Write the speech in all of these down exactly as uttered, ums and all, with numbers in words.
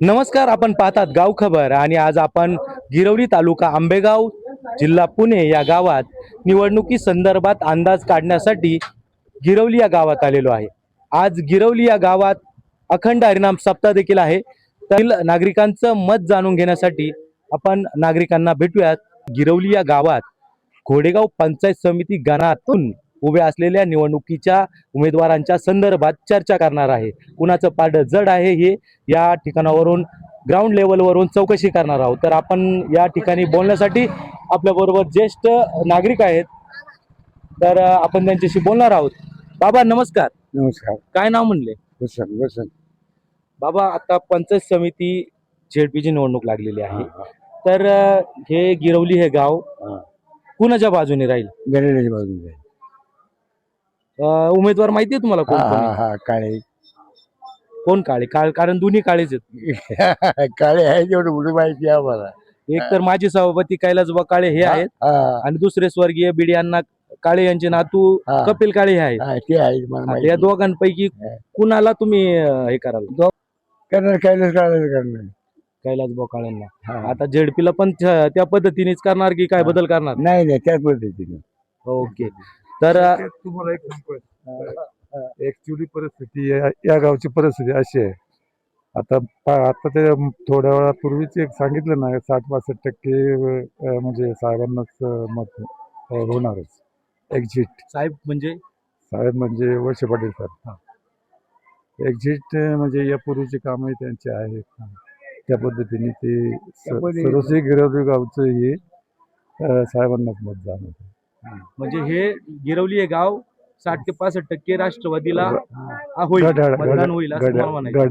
नमस्कार, आपण पाहतात गाव खबर आणि आज आपण गिरवली तालुका आंबेगाव जिल्हा पुणे या गावात निवडणुकी संदर्भात अंदाज काढण्यासाठी गिरवली या गावात आलेलो आहे। आज गिरवली या गावात अखंड हरिनाम सप्ताह देखील आहे। तर नागरिकांचं मत जाणून घेण्यासाठी आपण नागरिकांना भेटूयात। गिरवली या गावात घोडेगाव पंचायत समिती गणातून उभ्या असलेल्या निवडणुकीच्या उमेदवारांच्या संदर्भात चर्चा करणार आहे। कुणाचं पारडं जड आहे हे या ठिकाणावरून ग्राउंड लेवलवरून चौकशी करणार आहोत। तर आपण या ठिकाणी बोलण्यासाठी आपल्या बरोबर ज्येष्ठ नागरिक आहेत, तर आपण त्यांच्याशी बोलणार आहोत। बाबा नमस्कार। नमस्कार। काय नाव म्हणले? वसंत। वसंत बाबा, आता पंचायत समिती झेडपीची निवडणूक लागलेली आहे, तर हे गिरवली हे गाव कुणाच्या बाजूने राहील? गणेशाच्या बाजूने राहील। उमेदवार माहिती आहे तुम्हाला कोण कोण आहे? हा काळे। कोण काळे? काळ कारण दोन्ही काळेच आहेत। काळे आहे तेवढं कुठे माहिती आहे आम्हाला। एक तर माजी सभापती कैलासबा काळे हे आहेत आणि दुसरे स्वर्गीय बीडी अण्णा काळे यांचे नातू कपिल काळे हे आहेत। ते आहे। या दोघांपैकी कुणाला तुम्ही हे कराल? करणार कैलास काळे करणार। कैलासबा काळेंना। आता झेडपीला पण त्या पद्धतीनेच करणार की काय बदल करणार? नाही नाही त्याच पद्धतीने। ओके, तर तुम्हाला एक सांगतो, ऍक्च्युली परिस्थिती या गावची परिस्थिती अशी आहे। आता आता ते थोड्या वेळापूर्वीच एक सांगितलं ना, साठ पासष्ट टक्के म्हणजे साहेबांनाच मत होणारच। एक्झिट साहेब म्हणजे साहेब म्हणजे वळसे पाटील सर। एक्झिट म्हणजे यापूर्वीचे कामही त्यांचे आहेत, त्या पद्धतीने ते सर्वस्वी गिरवली गावचं हे साहेबांनाच मत जाणार। म्हणजे हे गिरवली हे गाव साठ ते पासष्ट टक्के राष्ट्रवादीला होईल, मतदान होईल असं मला म्हणायचं।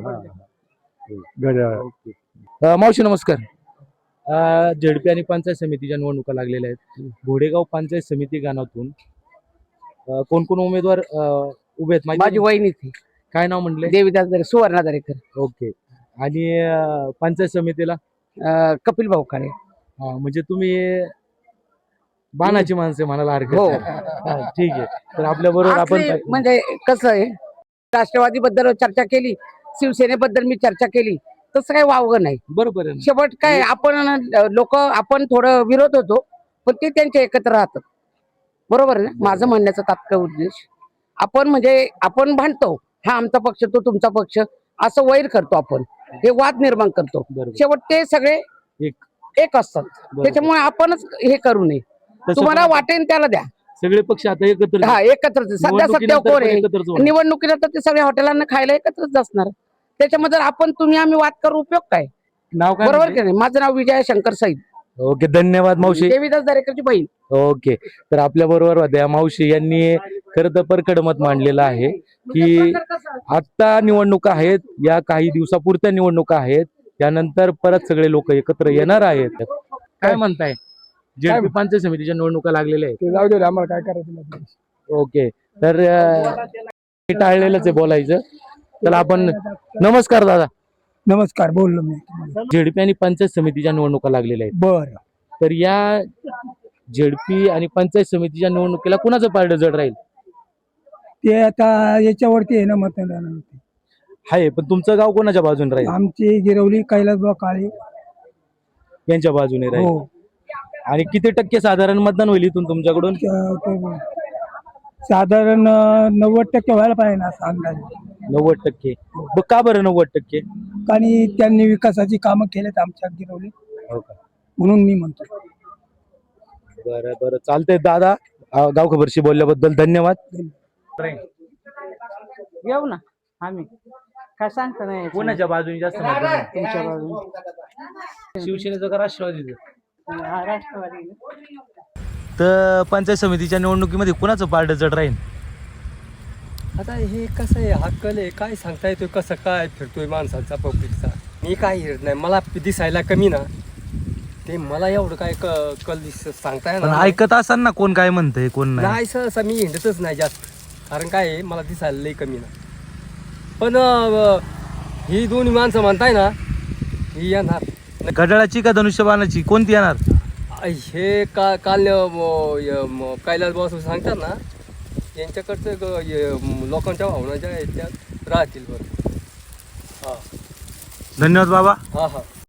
घड्याळ। मावशी नमस्कार। झेडपी आणि पंचायत समितीच्या निवडणुका लागलेल्या आहेत। घोडेगाव पंचायत समिती गावातून कोण कोण उमेदवार उभे आहेत? माझी वहिनी थी काय नाव म्हणले? देवीदास दरे, सुवर्णा दरेकर। ओके, आणि पंचायत समितीला कपिल भाऊ काळे। म्हणजे तुम्ही बाणाची माणसे म्हणायला हरकत नाही। ठीक आहे, तर आपल्या बरोबर आपण म्हणजे कसं आहे, राष्ट्रवादी बद्दल चर्चा केली, शिवसेनेबद्दल मी चर्चा केली, तसं काही वावगं नाही। बरोबर आहे। शेवट काय, आपण लोक आपण थोडं विरोध होतो, पण ते त्यांच्या एकत्र राहतात। बरोबर आहे ना? माझं म्हणण्याचा तात्काळ उद्देश, आपण म्हणजे आपण भांडतो, हा आमचा पक्ष तो तुमचा पक्ष, असं वैर करतो आपण, हे वाद निर्माण करतो। शेवट ते सगळे एक असतात, त्याच्यामुळे आपणच हे करू नये। तुम्हाला वाटेल त्याला द्या, सगळे पक्ष आता एकत्र हा एकत्र। सध्या सध्या कोण आहे निवडणुकीला, तर ते सगळ्या हॉटेलांना खायला एकत्रच असणार। त्याच्यामध्ये आपण तुम्ही आम्ही वाद करू उपयोग काय? नाव काय? बरोबर की नाही? माझं नाव विजय शंकर सईद। ओके, धन्यवाद मावशी। देवीदास दरेकरची बहीण। ओके, तर आपल्या बरोबर होत्या मावशी यांनी खरं तर परखड मत मांडलेलं आहे की आता निवडणुका आहेत, या काही दिवसापुरत्या निवडणुका आहेत, त्यानंतर परत सगळे लोक एकत्र येणार आहेत। काय म्हणताय? झेडपी पंचायत समितीच्या निवडणुका लागलेल्या आहेत, जाऊ दे, आम्हाला काय करायचं। ओके, तर टाळलेलंच आहे बोलायचं। तर आपण नमस्कार दादा। नमस्कार, बोललो मी। झेडपी आणि पंचायत समितीच्या निवडणुका लागलेल्या आहेत, बर। तर या झेडपी आणि पंचायत समितीच्या निवडणुकीला कुणाचं पारडं जड राहील? ते आता याच्यावरती आहे ना, मतदान आहे, पण तुमचं गाव कोणाच्या बाजूने राहील? आमची गिरवली कैलासबा काळे यांच्या बाजूने राहील। आणि किती टक्के साधारण मतदान होईल इथून तुमच्याकडून? साधारण नव्वद टक्के व्हायला पाहिजे ना, असं अंदाज। नव्वद टक्के? का बरं नव्वद टक्के? आणि त्यांनी विकासाची कामं केलेत आमच्या गिरवली, हो का? म्हणून मी म्हणतो। बरं बरं, चालतंय दादा, गाव खबरशी बोलल्याबद्दल धन्यवाद। येऊ ना आम्ही, काय सांगता नाही। कोणाच्या बाजूने जास्त मतदान आहे? तुमच्या बाजूने शिवसेनेचं का राष्ट्रवादीचं? राष्ट्रवादी। तर पंचायत समितीच्या निवडणुकीमध्ये कुणाचं पारडं जड राहील? आता हे कसं आहे, हा कल आहे, काय सांगता येतोय कसं काय फिरतोय माणसाचा पब्लिकचा। मी काय हिरत नाही, मला दिसायला कमी ना, ते मला एवढं काय कल दिस सांगता येणार ऐकत असाल ना कोण काय म्हणतंय कोण नाही। सहसा मी हिंडतच नाही जास्त, कारण काय आहे, मला दिसायला लई कमी ना। पण ही दोन्ही माणसं म्हणताय ना, ही येणार। घड्याळाची का धनुष्यबाणाची, कोणती येणार? हे का काल कैलास बॉस सांगतात ना, यांच्याकडचं लोकांच्या भावना ज्या आहेत त्या राहतील बरं। हां, धन्यवाद बाबा. हा हा